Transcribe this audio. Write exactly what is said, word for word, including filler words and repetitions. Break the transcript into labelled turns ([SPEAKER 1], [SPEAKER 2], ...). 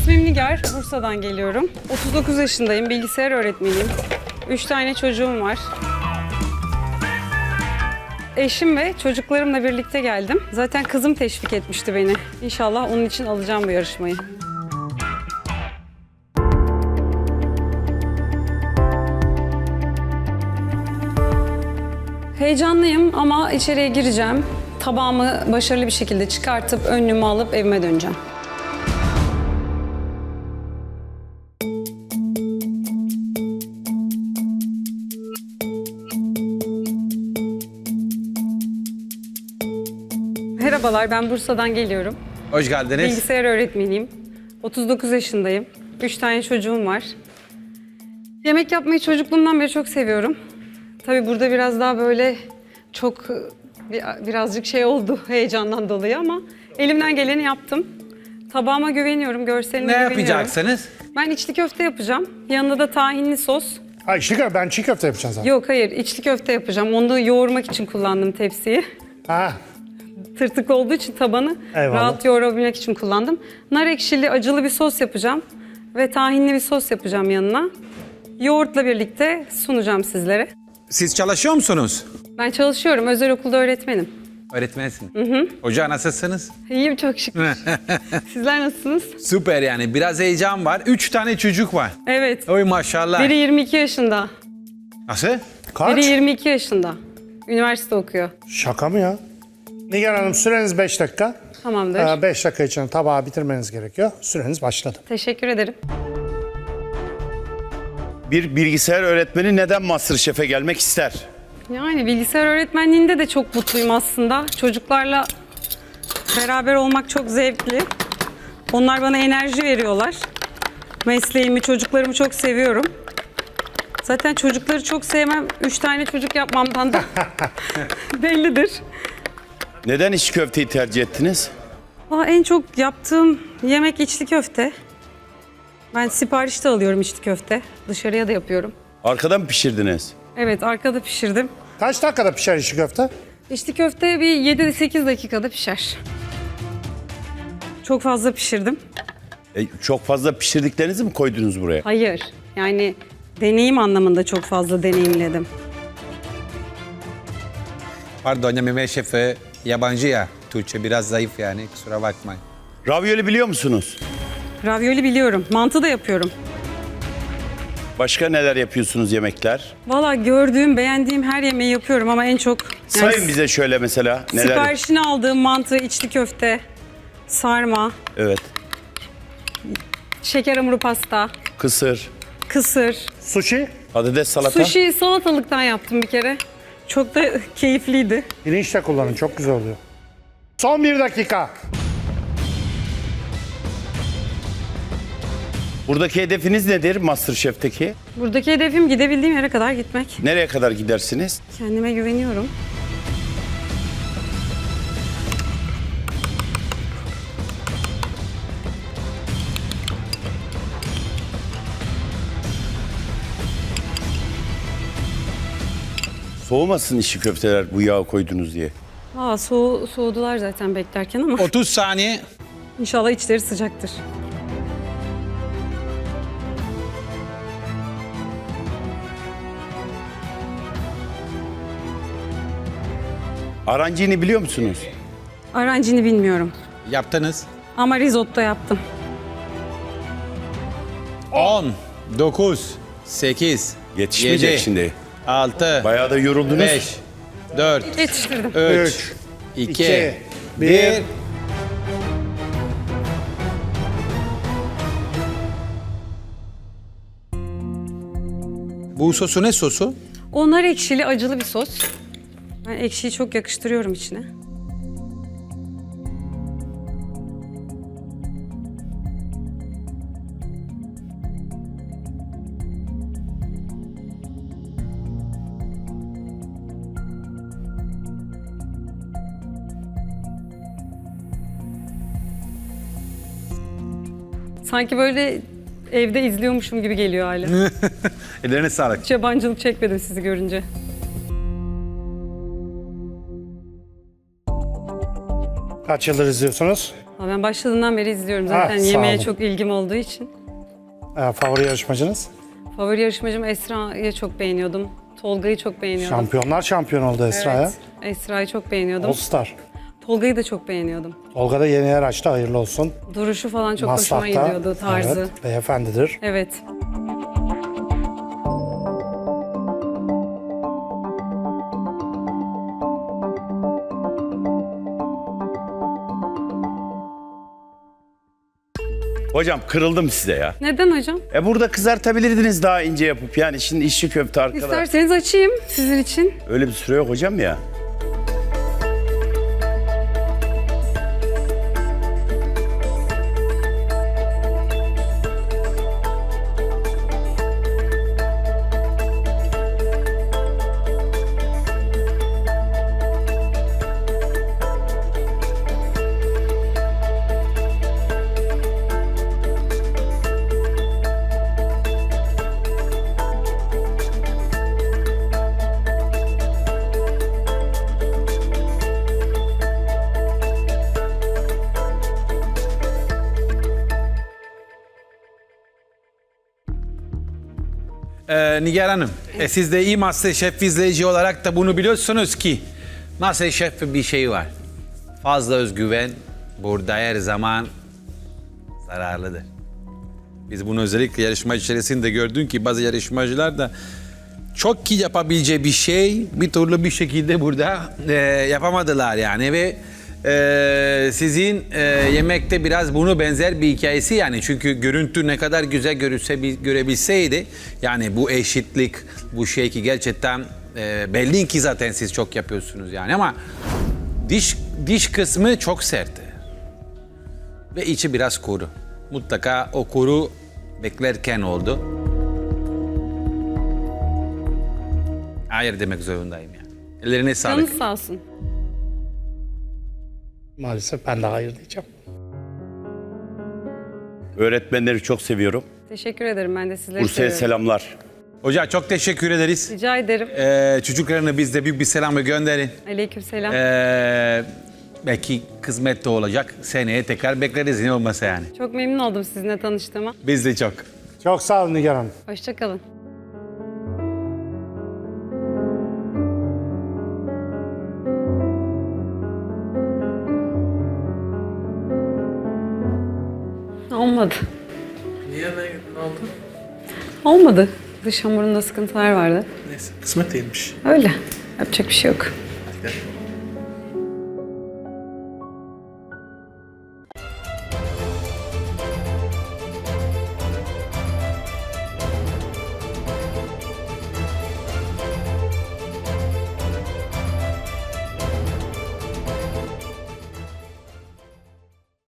[SPEAKER 1] İsmim Nigar, Bursa'dan geliyorum. otuz dokuz yaşındayım, bilgisayar öğretmeniyim. Üç tane çocuğum var. Eşim ve çocuklarımla birlikte geldim. Zaten kızım teşvik etmişti beni. İnşallah onun için alacağım bu yarışmayı. Heyecanlıyım ama içeriye gireceğim. Tabağımı başarılı bir şekilde çıkartıp önlüğümü alıp evime döneceğim. Merhabalar, ben Bursa'dan geliyorum.
[SPEAKER 2] Hoş geldiniz.
[SPEAKER 1] Bilgisayar öğretmeniyim. otuz dokuz yaşındayım. Üç tane çocuğum var. Yemek yapmayı çocukluğumdan beri çok seviyorum. Tabii burada biraz daha böyle çok birazcık şey oldu heyecandan dolayı ama elimden geleni yaptım. Tabağıma güveniyorum, görseline
[SPEAKER 2] Ne
[SPEAKER 1] güveniyorum.
[SPEAKER 2] yapacaksınız?
[SPEAKER 1] Ben içli köfte yapacağım. Yanında da tahinli sos.
[SPEAKER 3] Ha içli köfte, ben çiğ köfte yapacağım zaten.
[SPEAKER 1] Yok hayır, içli köfte yapacağım. Onu da yoğurmak için kullandım tepsiyi.
[SPEAKER 3] Ha.
[SPEAKER 1] Tırtıklı olduğu için tabanı
[SPEAKER 3] Eyvallah.
[SPEAKER 1] rahat yoğurabilmek için kullandım. Nar ekşili acılı bir sos yapacağım. Ve tahinli bir sos yapacağım yanına. Yoğurtla birlikte sunacağım sizlere.
[SPEAKER 2] Siz çalışıyor musunuz?
[SPEAKER 1] Ben çalışıyorum, özel okulda öğretmenim.
[SPEAKER 2] Öğretmensin. Hı hı. Hoca nasılsınız?
[SPEAKER 1] İyiyim çok şükür. Sizler nasılsınız?
[SPEAKER 2] Süper yani. Biraz heyecan var. Üç tane çocuk var.
[SPEAKER 1] Evet.
[SPEAKER 2] Oy maşallah.
[SPEAKER 1] Biri yirmi iki yaşında.
[SPEAKER 2] Nasıl?
[SPEAKER 3] Kaç?
[SPEAKER 1] Biri yirmi iki yaşında. Üniversite okuyor.
[SPEAKER 3] Şaka mı ya? Nigar Hanım süreniz beş dakika.
[SPEAKER 1] Tamamdır.
[SPEAKER 3] beş dakika içinde tabağı bitirmeniz gerekiyor. Süreniz başladı.
[SPEAKER 1] Teşekkür ederim.
[SPEAKER 4] Bir bilgisayar öğretmeni neden MasterChef'e gelmek ister?
[SPEAKER 1] Yani bilgisayar öğretmenliğinde de çok mutluyum aslında. Çocuklarla beraber olmak çok zevkli. Onlar bana enerji veriyorlar. Mesleğimi, çocuklarımı çok seviyorum. Zaten çocukları çok sevmem. Üç tane çocuk yapmamdan da bellidir.
[SPEAKER 4] Neden içli köfteyi tercih ettiniz?
[SPEAKER 1] Aa, en çok yaptığım yemek içli köfte. Ben siparişte alıyorum içli köfte. Dışarıya da yapıyorum.
[SPEAKER 4] Arkada mı pişirdiniz?
[SPEAKER 1] Evet, arkada pişirdim.
[SPEAKER 3] Kaç dakikada pişer içli köfte?
[SPEAKER 1] İçli köfte bir yedi sekiz dakikada pişer. Çok fazla pişirdim.
[SPEAKER 4] E, çok fazla pişirdiklerinizi mi koydunuz buraya?
[SPEAKER 1] Hayır, yani deneyim anlamında çok fazla deneyimledim.
[SPEAKER 2] Pardon ya Mehmet Şef yabancı ya. Türkçe biraz zayıf yani. Kusura bakmayın.
[SPEAKER 4] Ravioli biliyor musunuz?
[SPEAKER 1] Ravioli biliyorum, mantı da yapıyorum.
[SPEAKER 4] Başka neler yapıyorsunuz yemekler?
[SPEAKER 1] Valla gördüğüm, beğendiğim her yemeği yapıyorum ama en çok... yani
[SPEAKER 4] Sayın bize şöyle mesela neler.
[SPEAKER 1] siparişini aldığım mantı, içli köfte, sarma,
[SPEAKER 4] Evet.
[SPEAKER 1] şeker hamuru pasta,
[SPEAKER 4] Kısır,
[SPEAKER 1] kısır,
[SPEAKER 3] Sushi,
[SPEAKER 4] patates salata.
[SPEAKER 1] sushi salatalıktan yaptım bir kere. Çok da keyifliydi.
[SPEAKER 3] pirinç de kullanın, çok güzel oluyor. Son bir dakika.
[SPEAKER 4] Buradaki hedefiniz nedir MasterChef'teki?
[SPEAKER 1] Buradaki hedefim gidebildiğim yere kadar gitmek.
[SPEAKER 4] Nereye kadar gidersiniz?
[SPEAKER 1] Kendime güveniyorum.
[SPEAKER 4] Soğumasın içli köfteler bu yağı koydunuz diye.
[SPEAKER 1] Aa, soğu, soğudular zaten beklerken ama
[SPEAKER 2] otuz saniye.
[SPEAKER 1] inşallah içleri sıcaktır.
[SPEAKER 4] Arancini biliyor musunuz?
[SPEAKER 1] Arancini bilmiyorum
[SPEAKER 2] Yaptınız.
[SPEAKER 1] ama risotto yaptım.
[SPEAKER 2] on, dokuz, sekiz,
[SPEAKER 4] Yetişmeyecek
[SPEAKER 2] yedi,
[SPEAKER 4] şimdi.
[SPEAKER 2] altı,
[SPEAKER 4] Bayağı da yoruldunuz.
[SPEAKER 2] beş, dört,
[SPEAKER 1] Yetiştirdim.
[SPEAKER 2] üç,
[SPEAKER 3] Üç,
[SPEAKER 2] iki,
[SPEAKER 3] iki,
[SPEAKER 2] bir.
[SPEAKER 3] bir.
[SPEAKER 2] Bu sosu ne sosu?
[SPEAKER 1] Onlar ekşili, acılı bir sos. Ben ekşiyi çok yakıştırıyorum içine. Sanki böyle evde izliyormuşum gibi geliyor hala.
[SPEAKER 2] Ellerine sağlık.
[SPEAKER 1] Hiç yabancılık çekmedim sizi görünce.
[SPEAKER 3] Kaç yıldır izliyorsunuz?
[SPEAKER 1] Ama ben başladığından beri izliyorum zaten
[SPEAKER 3] Ah, sağ
[SPEAKER 1] yemeğe
[SPEAKER 3] olun.
[SPEAKER 1] çok ilgim olduğu için.
[SPEAKER 3] Ee, favori yarışmacınız?
[SPEAKER 1] Favori yarışmacım Esra'yı çok beğeniyordum. Tolga'yı çok beğeniyordum.
[SPEAKER 3] Şampiyonlar şampiyon oldu Esra'ya.
[SPEAKER 1] Evet, Esra'yı çok beğeniyordum.
[SPEAKER 3] All Star.
[SPEAKER 1] Tolga'yı da çok beğeniyordum.
[SPEAKER 3] Olga da yeni yer açtı, hayırlı olsun.
[SPEAKER 1] Duruşu falan çok hoşuma
[SPEAKER 3] Maslak'ta,
[SPEAKER 1] gidiyordu, tarzı.
[SPEAKER 3] Evet, beyefendidir.
[SPEAKER 1] Evet.
[SPEAKER 4] Hocam kırıldım size ya.
[SPEAKER 1] Neden hocam?
[SPEAKER 4] E burada kızartabilirdiniz daha ince yapıp yani şimdi işçi köfte arkada.
[SPEAKER 1] İsterseniz açayım sizin için.
[SPEAKER 4] Öyle bir süre yok hocam ya.
[SPEAKER 2] Ee, Nigar Hanım, e, siz de iyi MasterChef izleyici olarak da bunu biliyorsunuz ki MasterChef bir şey var. Fazla özgüven burada her zaman zararlıdır. Biz bunu özellikle yarışma içerisinde gördük ki bazı yarışmacılar da çok iyi yapabileceği bir şey bir türlü bir şekilde burada e, yapamadılar yani ve e, sizin e, yemekte biraz bunu benzer bir hikayesi yani çünkü görüntü ne kadar güzel görülse, görebilseydi yani bu eşitlik bu şey ki gerçekten e, belli ki zaten siz çok yapıyorsunuz yani ama diş diş kısmı çok sert ve içi biraz kuru. Mutlaka o kuru beklerken oldu. Hayır demek zorundayım yani. Ellerine sağlık.
[SPEAKER 1] Canınız sağ olsun.
[SPEAKER 3] Maalesef ben de hayır diyeceğim.
[SPEAKER 4] Öğretmenleri çok seviyorum.
[SPEAKER 1] Teşekkür ederim, ben de sizleri
[SPEAKER 4] Bursa'ya
[SPEAKER 1] seviyorum.
[SPEAKER 4] selamlar.
[SPEAKER 2] Hocam çok teşekkür ederiz.
[SPEAKER 1] Rica ederim.
[SPEAKER 2] Ee, çocuklarına biz de büyük bir selamı gönderin.
[SPEAKER 1] Aleykümselam.
[SPEAKER 2] Ee, belki kısmet de olacak. Seneye tekrar bekleriz ne olmasa yani.
[SPEAKER 1] Çok memnun oldum sizinle tanıştığıma.
[SPEAKER 2] Biz de çok.
[SPEAKER 3] Çok sağ olun Nigar Hanım.
[SPEAKER 1] Hoşça kalın. Olmadı.
[SPEAKER 5] Niye ne, ne oldu?
[SPEAKER 1] Olmadı. Dış hamurunda sıkıntılar vardı.
[SPEAKER 5] Neyse kısmet değilmiş.
[SPEAKER 1] Öyle. Yapacak bir şey yok.
[SPEAKER 5] Hadi gel.